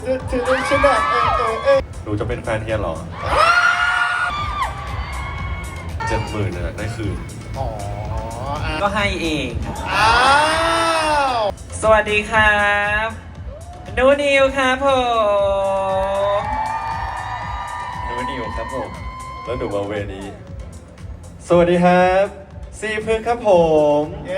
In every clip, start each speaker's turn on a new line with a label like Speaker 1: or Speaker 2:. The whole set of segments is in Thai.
Speaker 1: ฉัน
Speaker 2: หนูจะเป็นแฟนเฮียเหรอ70,000เนี่ยได้คืน
Speaker 1: อ๋อ
Speaker 3: ก็ให้เอง
Speaker 1: อ้าว
Speaker 3: สวัสดีครับนูนิวครับผมนูนิวครับผม
Speaker 2: แล้วหนูมาเวนี้สวัสดีครับซีพึกครับผม
Speaker 1: เย้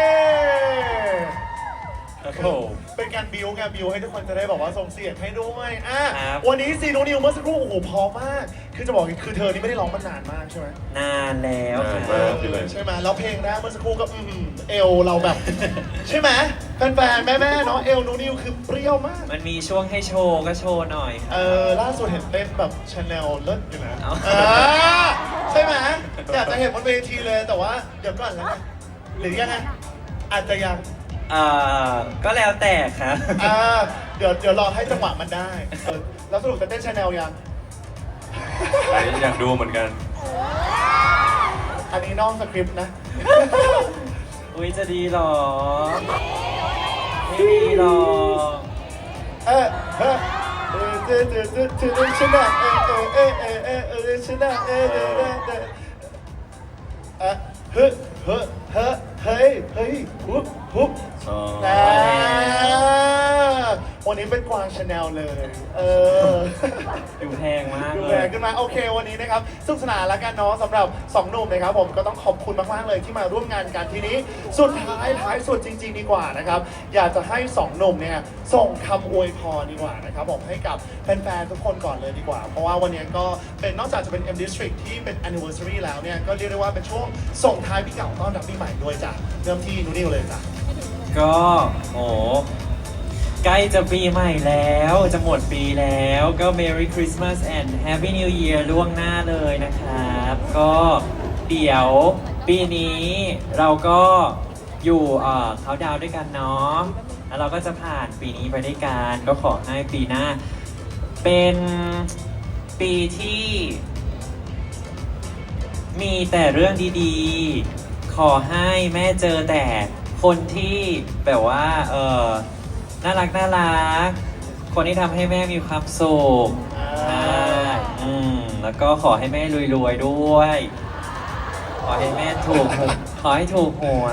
Speaker 2: ครับผม
Speaker 1: เป็นการบิวให้ทุกคนจะได้บอกว่าส่งเสียงให้ด้วยอ่ะ
Speaker 3: ครับ
Speaker 1: วันนี้ซีโนนิวเมื่อสักครู่โอ้โหพร้อมมากคือจะบอกอย่างนี้คือเธอนี่ไม่ได้ร้องมานานมากใช่ไหม
Speaker 3: นานแล้วค
Speaker 2: นาน
Speaker 3: รั
Speaker 2: มาก
Speaker 3: บ
Speaker 2: พี่เลย
Speaker 1: ใช่ไหมแล้วเพลงแรกเมื่อสักครู่ก็เอวเราแบบ ใช่ไหมแฟนๆแม่ๆเนาะเอวนูนิวคือเปรี้ยวมาก
Speaker 3: มันมีช่วงให้โชว์ก็โชว์หน่อยครับ
Speaker 1: ล่าสุดเห็นเต้นแบบชาแนลเลิศอยู่นะ
Speaker 3: เอา
Speaker 1: ใช่ไหมอยากจะเห็นบนเวทีเลยแต่ว่าเดี๋ยวก่อนแล้วกันหรือยังไงอาจจะยัง
Speaker 3: ก็แล้วแต่ครับ
Speaker 1: เดี๋ยวรอให้จังหวะมันได้แล้วสรุปจะเต้นชาแนลยัง
Speaker 2: อันนี้อยากดูเหมือนกัน
Speaker 1: อันนี้นอกสคริปต์นะ
Speaker 3: อุ้ยจะดีหรอ ไม่ดีหรอก
Speaker 1: เออเฮ้ชนะชนะเฮ้เฮ้ฮุบ
Speaker 2: อ๋อ
Speaker 1: วันนี้เป็นกวางชาแนลเลย
Speaker 3: ดูแพงมาก
Speaker 1: ดู
Speaker 3: เล
Speaker 1: แร
Speaker 3: ย
Speaker 1: งขึ้นมาโอเควันนี้นะครับสนุกสนานแล้วกันเนาะสำหรับ2หนุ่มนะครับผมก็ต้องขอบคุณมากๆเลยที่มาร่วมงานกันทีนี้สุดท้ายสุดจริงๆดีกว่านะครับอยากจะให้2หนุ่มเนี่ยส่งคำอวยพรดีกว่านะครับผมให้กับแฟนๆทุกคนก่อนเลยดีกว่า เพราะว่าวันนี้ก็เป็นนอกจากจะเป็น M District ที่เป็น anniversary แล้วเนี่ยก็เรียกได้ว่าเป็นช่วงส่งท้ายปีเก่าต้อนรับปีใหม่ด้วยจ้ะเริ่มที่นูนิวเลยจ้ะ
Speaker 3: ก็โอ้ใกล้จะปีใหม่แล้วจะหมดปีแล้วก็ Merry Christmas and Happy New Year ล่วงหน้าเลยนะครับ ก็เดี๋ยวปีนี้เราก็อยู่เขาดาวน์ด้วยกันเนาะแล้วเราก็จะผ่านปีนี้ไปด้วยกันก็ขอให้ปีหน้า เป็นปีที่ มีแต่เรื่องดีๆ ขอให้แม่เจอแต่คนที่แบบว่าน่ารัก คนที่ทำให้แม่มีความสุขใช่แล้วก็ขอให้แม่รวยๆด้วย ขอให้แม่ขอให้ถูกหวย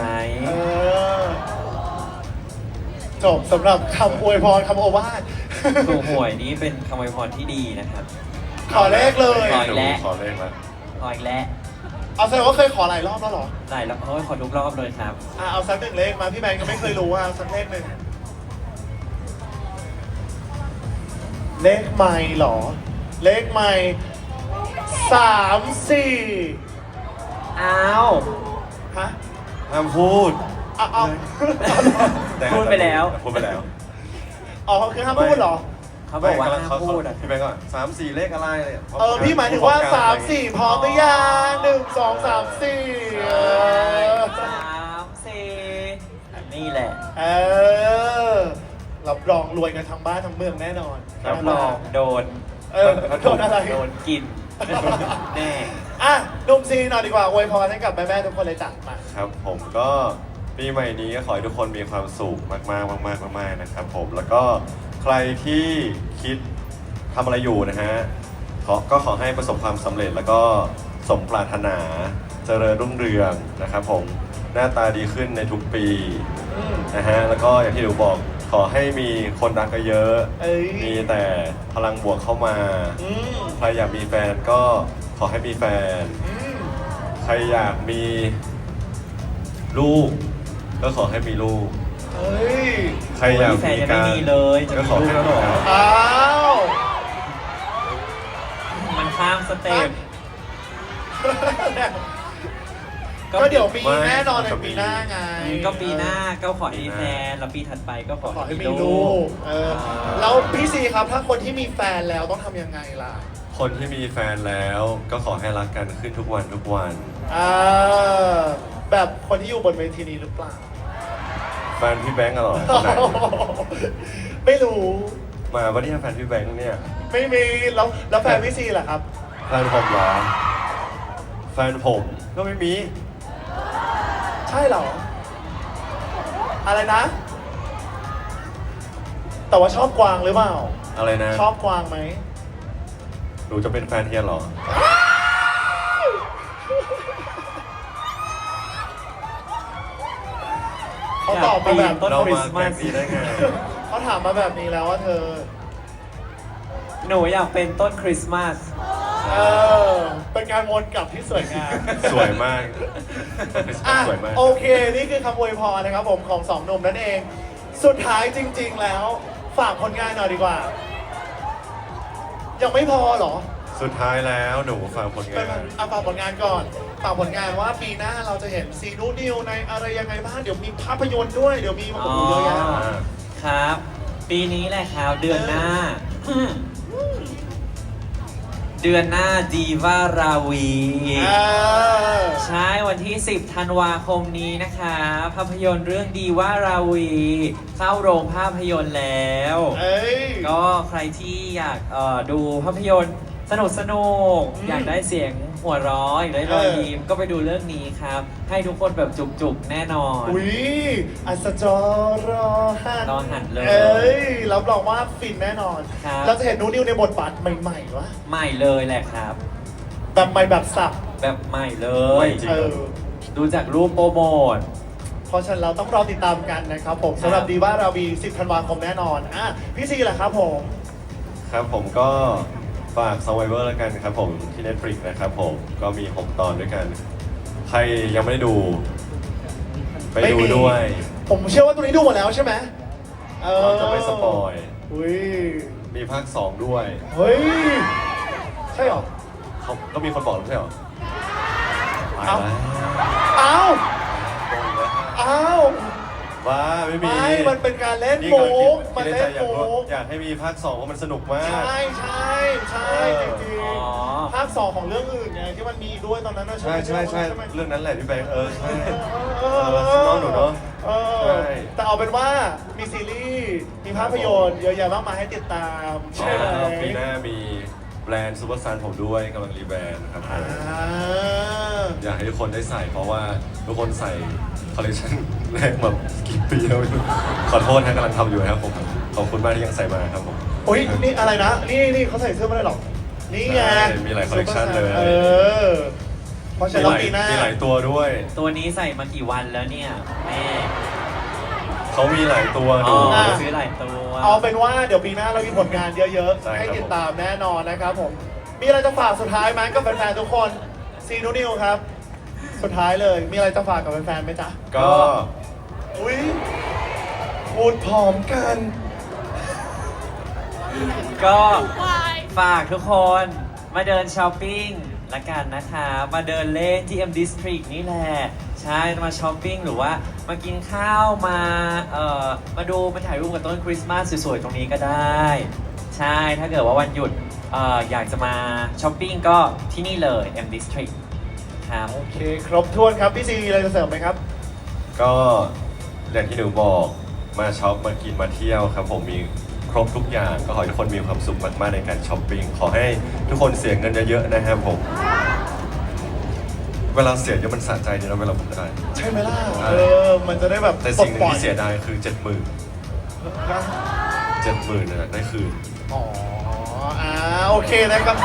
Speaker 1: จบสำหรับคำอวยพรคำโอวาท
Speaker 3: ถูกหวยนี้เป็นคำอวยพรที่ดีนะครับ
Speaker 1: ขอเลขเลย
Speaker 3: ขออีกแล้ว
Speaker 2: ขอเลขแล้ว
Speaker 3: ขออีกแล้ว
Speaker 1: เอาแสดงว่าเคยขอหลายรอบแล้วเหรอ
Speaker 3: ได้แล้วขอทุกรอบเลยครับ
Speaker 1: เอาสักหนึ่งเลขมาพี่แมนก็ไม่เคยรู้ว่าสักเลขหนึ่งเลขใหม่เหรอ เลขใหม่3
Speaker 3: อ้าว
Speaker 1: 4ฮะ
Speaker 2: ห้ามพูด
Speaker 1: เอา
Speaker 3: พูดไปแล้ว
Speaker 2: พูดไปแล้ว
Speaker 1: อ๋อคือห้ามพูดเหรอ
Speaker 3: เขาบอกว่าห้ามพูดอ่ะ
Speaker 2: พี่แบงก์ก่อน3-4 เลขอะไรเนี่ย
Speaker 1: พี่หมายถึงว่า3 4พร้อมหรือยัง1 2 3 4
Speaker 3: 3-4นี่แหละ
Speaker 1: รับรองรวยกันทั้งบ้านทั้งเมืองแน่นอน
Speaker 3: รับรองโดน
Speaker 1: โดนอะไร
Speaker 3: โดนกิน แน่
Speaker 1: นุ่มซีหน่อยดีกว่าอวยพรให้กับแม่ๆทุกคนเลยจ้ะมา
Speaker 2: ครับผมก็ปีใหม่นี้ก็ขอให้ทุกคนมีความสุขมากๆนะครับผมแล้วก็ใครที่คิดทำอะไรอยู่นะฮะก็ขอให้ประสบความสำเร็จแล้วก็สมปรารถนาเจริญรุ่งเรืองนะครับผมหน้าตาดีขึ้นในทุกปีนะฮะแล้วก็อย่างที่หนูบอกขอให้มีคนรักเยอะๆมีแต่พลังบวกเข้ามาใครอยากมีแฟนก็ขอให้มีแฟนใครอยากมีลูกก็ขอให้มีลูกใครอยาก
Speaker 3: แฟน
Speaker 2: มี
Speaker 3: ยัง
Speaker 2: กา
Speaker 3: ไม่
Speaker 2: ร
Speaker 3: มีเลยจะ
Speaker 2: ก็
Speaker 3: มี
Speaker 2: ขอ
Speaker 3: ลูก
Speaker 2: ให้
Speaker 3: แล้ว
Speaker 2: มี
Speaker 3: เหรอ
Speaker 2: การ
Speaker 1: อ้าว
Speaker 3: มันข้ามสเต็ป
Speaker 1: ก็เดี๋ยวมีแน่นอนในปีหน้าไง
Speaker 3: ก็ปีหน้าก็ขอให้มีแฟนแล้วปีถัดไปก็ขอ
Speaker 1: ขอให้
Speaker 3: ให้
Speaker 1: มี
Speaker 3: มี
Speaker 1: ลู
Speaker 3: ลู
Speaker 1: ก
Speaker 3: ก
Speaker 1: แล้วพี่ซีครับถ้าคนที่มีแฟนแล้วต้องทำยังไงล่ะ
Speaker 2: คนที่มีแฟนแล้วก็ขอให้รักกันขึ้นทุกวันทุกวัน
Speaker 1: แบบคนที่อยู่บนเวทีนี้หรือเปล่า
Speaker 2: แฟนพี่แบงก์อะเหรอคนไหน
Speaker 1: ไม่รู้
Speaker 2: มาวันนี้แฟนพี่แบงก์เนี่ย
Speaker 1: ไม่มีแล้วแฟนพี่ซีล่ะครับ
Speaker 2: แฟนผมเหรอแฟนผมก็ไม่มี
Speaker 1: ใช่เหรอ อะไรนะ แต่ว่าชอบกวางหรือเปล่า
Speaker 2: อะไรนะ
Speaker 1: ชอบกวางไหม
Speaker 2: หนูจะเป็นแฟนเฮียเหรอ
Speaker 1: เขาตอบมาแบบ
Speaker 3: ต้น
Speaker 2: เรา
Speaker 3: คริ
Speaker 2: มา
Speaker 3: สต์
Speaker 2: แก
Speaker 3: มา
Speaker 2: ล้
Speaker 3: ส
Speaker 2: งนี้ได้ไง
Speaker 1: เขาถามมาแบบนี้แล้วว่าเธอ
Speaker 3: หนูอยากเป็นต้นคริสต์มาส
Speaker 1: เออ เป็นการวนกลับที่สวยงาม
Speaker 2: สวยมาก
Speaker 1: อ่ะ
Speaker 2: สวยมาก
Speaker 1: โอเค นี่คือคำอวยพรนะครับผมของสองหนุ่มนั่นเอง สุดท้ายจริง ๆ แล้ว ฝากผลงานหน่อยดีกว่า ยังไม่พอเหรอ
Speaker 2: สุดท้ายแล้วหนูฟังผล
Speaker 1: ไป
Speaker 2: งาน
Speaker 1: เอาฝากผลงานก่อนฝากผลงานว่าปีหน้าเราจะเห็นซีนูนิวในอะไรยังไงบ้าง เดี๋ยวมีภาพยนตร์ด้วย เดี๋ยวมีมาโอ้โหเยอะแยะ
Speaker 3: ครับ ปีนี้แหละครับ เดือนหน้า เดือนหน้าดีว่าราวี
Speaker 1: เออ
Speaker 3: ใช่วันที่ 10 ธันวาคมนี้นะคะภาพยนตร์เรื่องดีว่าราวี เข้าโรงภาพยนตร์แล้ว
Speaker 1: เอ้ย
Speaker 3: ก็ใครที่อยากดูภาพยนตร์สนุกอยากได้เสียงหัวเร้อยากได้รอยยิ้มก็ไปดูเรื่องนี้ครับ ให้ทุกคนแบบจุกๆ แน่นอน
Speaker 1: อุ้ยอัศจรรอหัน
Speaker 3: รอหันเลย
Speaker 1: เอ้ย รับรองว่าฟินแน่นอน
Speaker 3: ครับ
Speaker 1: เราจะเห็นนูนิวในบทบาทใหม่ๆวะ
Speaker 3: ใหม่เลยแหละครับ
Speaker 1: แบบใหม่แบบสับ
Speaker 3: แบบใหม่เล
Speaker 2: ใหม่
Speaker 3: ย
Speaker 2: จริง
Speaker 1: เออ
Speaker 3: ดูจากรูปโปรโมท
Speaker 1: เพราะฉะนั้นเราต้องรอติดตามกันนะครับผมสำหรับดีว่าราวี 10 ธันวาคมแน่นอน อ่ะ พี่ซีแหละครับผม
Speaker 2: ครับผมก็ฝาก Survivor แล้วกันครับผมที่ Netflix นะครับผมก็มี 6 ตอนด้วยกัน ใครยังไม่ได้ดู ไปดูด้วย
Speaker 1: ผมเชื่อว่าตัวนี้ดูหมดแล้วใช่ไหมเออ
Speaker 2: เราจะไม่สปอย
Speaker 1: อุ้ย
Speaker 2: มีภาค 2 ด้วย
Speaker 1: เฮ้ย ใช่เหรอ
Speaker 2: เขาก็มีคนบอกแล้วไม่ใช่เหรอตาย
Speaker 1: เอ้า
Speaker 2: แล้ว
Speaker 1: อ้าว
Speaker 2: โกงแล้ว
Speaker 1: อ้าว
Speaker 2: ว้าไม่มี
Speaker 1: ไม่มันเป็นการเล่น
Speaker 2: นี่
Speaker 1: มุ
Speaker 2: กำลังคิด
Speaker 1: กมัน
Speaker 2: ใน
Speaker 1: เล่
Speaker 2: ใจ
Speaker 1: น
Speaker 2: อยาก
Speaker 1: มุ
Speaker 2: รู้
Speaker 1: ก
Speaker 2: อยากให้มีภาค 2 เพราะมันสนุกมาก
Speaker 1: ใช่จริง
Speaker 3: อ๋อ
Speaker 1: ๆภาค 2 ของเรื่องอื่นไงที่มันมีด้วยตอนนั้นนะ
Speaker 2: ใช่ใช่ใช่
Speaker 1: ไหม
Speaker 2: เรื่องนั้นแหละพี่แบงค์ใช่
Speaker 1: เออ
Speaker 2: น้องหนูเนอะ
Speaker 1: เอ
Speaker 2: ใช่
Speaker 1: อแต่เอาเป็นว่ามีซีรีส์มีภาพยนตร์เยอะแยะมากมายให้ติดตามใช่ไหม
Speaker 2: ปีหน้ามีแบรนด์ซูเปอร์ซันผมด้วยกำลังรีแบรนด์ครับผม
Speaker 1: อ่า
Speaker 2: อยากให้ทุกคนได้ใส่เพราะว่าทุกคนใส่คอลเลคชันแรกแบบกี่ปีแล้วไม่รู้ขอโทษนะกำลังทำอยู่นะครับผมขอบคุณมากที่ยังใส่มาครับผม
Speaker 1: โอ้ยนี่อะไรนะ นี่เขาใส่เสื้อไม่ได้หรอก นี่ไง
Speaker 2: ใช่มีหลาย collection เลย
Speaker 1: เออ เพราะฉะนั้นปีหน้า
Speaker 2: มีหลายตัวด้วย
Speaker 3: ตัวนี้ใส่มากี่วันแล้วเนี่ยแม่
Speaker 2: เขามีหลายตัว
Speaker 3: อ๋
Speaker 2: ดู
Speaker 3: อซื้อหลายตัว
Speaker 1: เอาเป็นว่าเดี๋ยวปีหน้าเรามีผลงานเยอะ
Speaker 2: ใช่
Speaker 1: ๆ
Speaker 2: ครับ
Speaker 1: ให้ติดตามแน่นอนนะครับผม มีอะไรจะฝากสุดท้ายไหมกับแฟนๆทุกคนซีนูนิวครับ สุดท้ายเลย มีอะไรจะฝากกับแฟนๆไหมจ๊ะ
Speaker 2: ก็
Speaker 1: อุ้ยพูดพร้อมกัน
Speaker 3: ก็ฝากทุกคนมาเดินช้อปปิ้งละกันนะคะ มาเดินเล่นที่ M District นี่แหละ ใช่ มาช้อปปิ้งหรือว่ามากินข้าวมาดูมาถ่ายรูปกับต้นคริสต์มาสสวยๆ ตรงนี้ก็ได้ ใช่ ถ้าเกิดว่าวันหยุดอยากจะมาช้อปปิ้งก็ที่นี่เลย M District ครับ
Speaker 1: โอเค ครบถ้วนครับ พี่ซีมีอะไรจะเสริมไหมครับ
Speaker 2: ก็อย่างที่หนูบอกมาช็อปมากินมาเที่ยวครับผมมีครบทุกอย่างก็ขอให้ทุกคนมีความสุขมากๆในการช้อปปิ้งขอให้ทุกคนเสียเงินเยอะๆนะครับผม เวลาเสียเยอะมันสะใจดีนะเวลาผมได้
Speaker 1: ใช่ไหมล่ะ
Speaker 2: ใช่
Speaker 1: มันจะได้แบบ
Speaker 2: แต่สิ่งหนึ่ง
Speaker 1: ปลดปล่อ
Speaker 2: ที่เสียดายคือ 70,000
Speaker 1: นะ
Speaker 2: 70,000นะได้คืน
Speaker 1: อ๋อโอเคนะครับ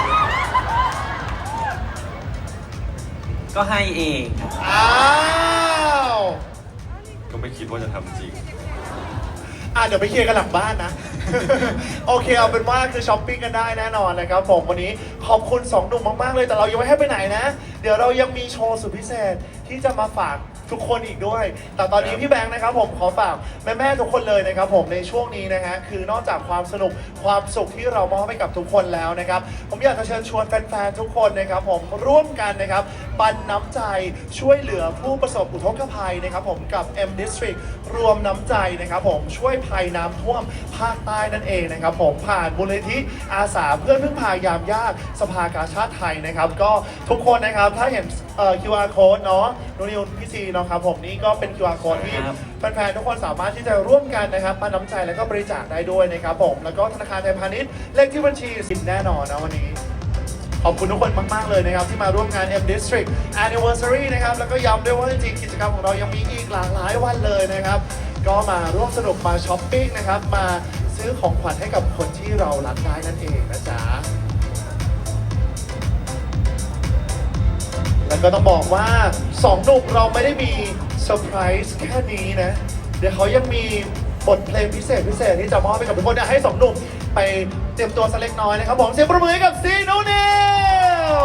Speaker 3: ก็ให้เอง
Speaker 1: อ้าว
Speaker 2: ก็ไม่คิดว่าจะทำจริง
Speaker 1: เดี๋ยวไปเคลียร์กันหลังบ้านนะ โอเคเอาเป็นว่าคือช้อปปิ้งกันได้แน่นอนนะครับผมวันนี้ขอบคุณ2หนุ่มมากๆเลยแต่เรายังไม่ให้ไปไหนนะ เดี๋ยวเรายังมีโชว์สุดพิเศษที่จะมาฝากทุกคนอีกด้วย แต่ตอนนี้พี่แบงค์นะครับผมขอฝากแม่ๆทุกคนเลยนะครับผมในช่วงนี้นะฮะคือนอกจากความสนุกความสุขที่เรามอบให้กับทุกคนแล้วนะครับผมอยากจะเชิญชวนแฟนๆทุกคนนะครับผมร่วมกันนะครับปันน้ำใจช่วยเหลือผู้ประสบอุทกภัยนะครับผมกับ M District รวมน้ำใจนะครับผมช่วยภัยน้ำท่วมภาคใต้นั่นเองนะครับผมผ่านมูลนิธิอาสาเพื่อนพึ่งพายามยากสภากาชาติไทยนะครับก็ทุกคนนะครับถ้าเห็นQR code เนาะนูนิวพี่ซีเนาะครับผมนี่ก็เป็น QR code ที่
Speaker 3: ครับ
Speaker 1: แฟนๆทุกคนสามารถที่จะร่วมกันนะครับปันน้ำใจแล้วก็บริจาคได้ด้วยนะครับผมแล้วก็ธนาคารไทยพาณิชย์เลขที่บัญชีสินแน่นอนนะวันนี้ ขอบคุณทุกคนมาก ๆ เลยนะครับ ที่มาร่วมงาน M District Anniversary นะครับ แล้วก็ย้ำด้วยว่าจริงๆกิจกรรมของเรายังมีอีกหลากหลายวันเลยนะครับ ก็มาร่วมสนุกมาช้อปปิ้งนะครับ มาซื้อของขวัญให้กับคนที่เรารักได้นั่นเองนะจ๊ะ แล้วก็ต้องบอกว่า2หนุ่มเราไม่ได้มีเซอร์ไพรส์แค่นี้นะ เดี๋ยวเขายังมีบทเพลงพิเศษที่จะมอบให้กับทุกคนอยากให้2หนุ่มไปเตรียมตัวสักเล็กน้อยนะครับผมเสียงประมือให้กับซีนูนิว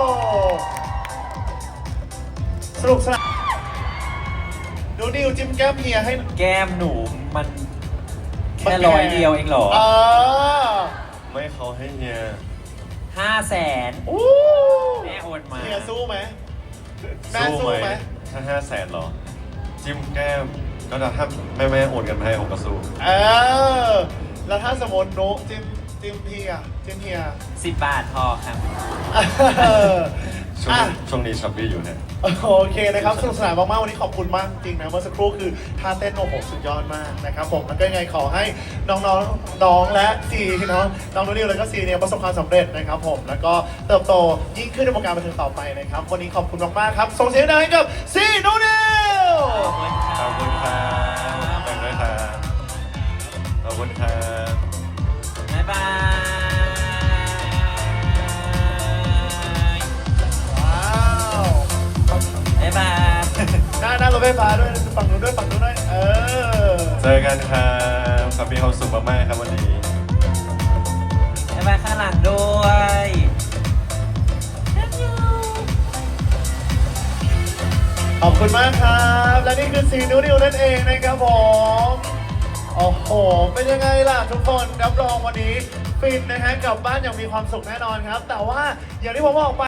Speaker 1: สนุกสนานนูนิวจิ้มแก้มเฮียให้
Speaker 3: แก้มหนูมันแค่100เดียวเองเหรอ
Speaker 2: ไม่เขาให้เฮีย
Speaker 3: 500,000
Speaker 1: อู้
Speaker 3: แม่โอนมา
Speaker 1: เฮียสู้ไหมแม่สู้ไหม
Speaker 2: ถ้า500,000หรอ จิ้มแก้มก็ถ้าแม่โอนกันมาให้ผมก็สู้
Speaker 1: แล้วถ้าสมมติโน้จิ้มเฮียจิ้มเฮีย
Speaker 3: 10 บาทพอครับ
Speaker 2: ช่วงนี้ช้อปปี้อยู่เนี่ย
Speaker 1: โอเคนะครับสนุกสนานมากๆวันนี้ขอบคุณมากจริงนะเมื่อสักครู่คือท่าเต้นโอ้โหสุดยอดมากนะครับผมแล้วก็ยังไงขอให้น้องและซีน้องนุ่นนิวแล้วก็ซีเนี่ยประสบความสำเร็จนะครับผมแล้วก็เติบโตยิ่งขึ้นในวงการบันเทิงต่อไปนะครับวันนี้ขอบคุณมากๆครับส่งเสียงดังให้กับซีนุ่นนิว
Speaker 2: ขอบคุณครับขอบคุณด้วยครับขอบคุณครับ
Speaker 3: บ๊ายบาย
Speaker 1: ว้าว
Speaker 3: บ๊ายบาย
Speaker 1: หน้ารถไฟฟ้าด้วยฝั่งนู้นด้วย
Speaker 2: เจอกันครับครับมีความสุขมากๆครับวันนี้
Speaker 3: บ๊ายบายข้างหลังด้วย
Speaker 1: ขอบคุณมากครับและนี่คือซีนูนิวนั่นเองนะครับผมโอ้โหเป็นยังไงล่ะทุกคนรับรองวันนี้ฟินนะฮะกลับบ้านอย่างมีความสุขแน่นอนครับ แต่ว่าอย่างที่ผมบอกไป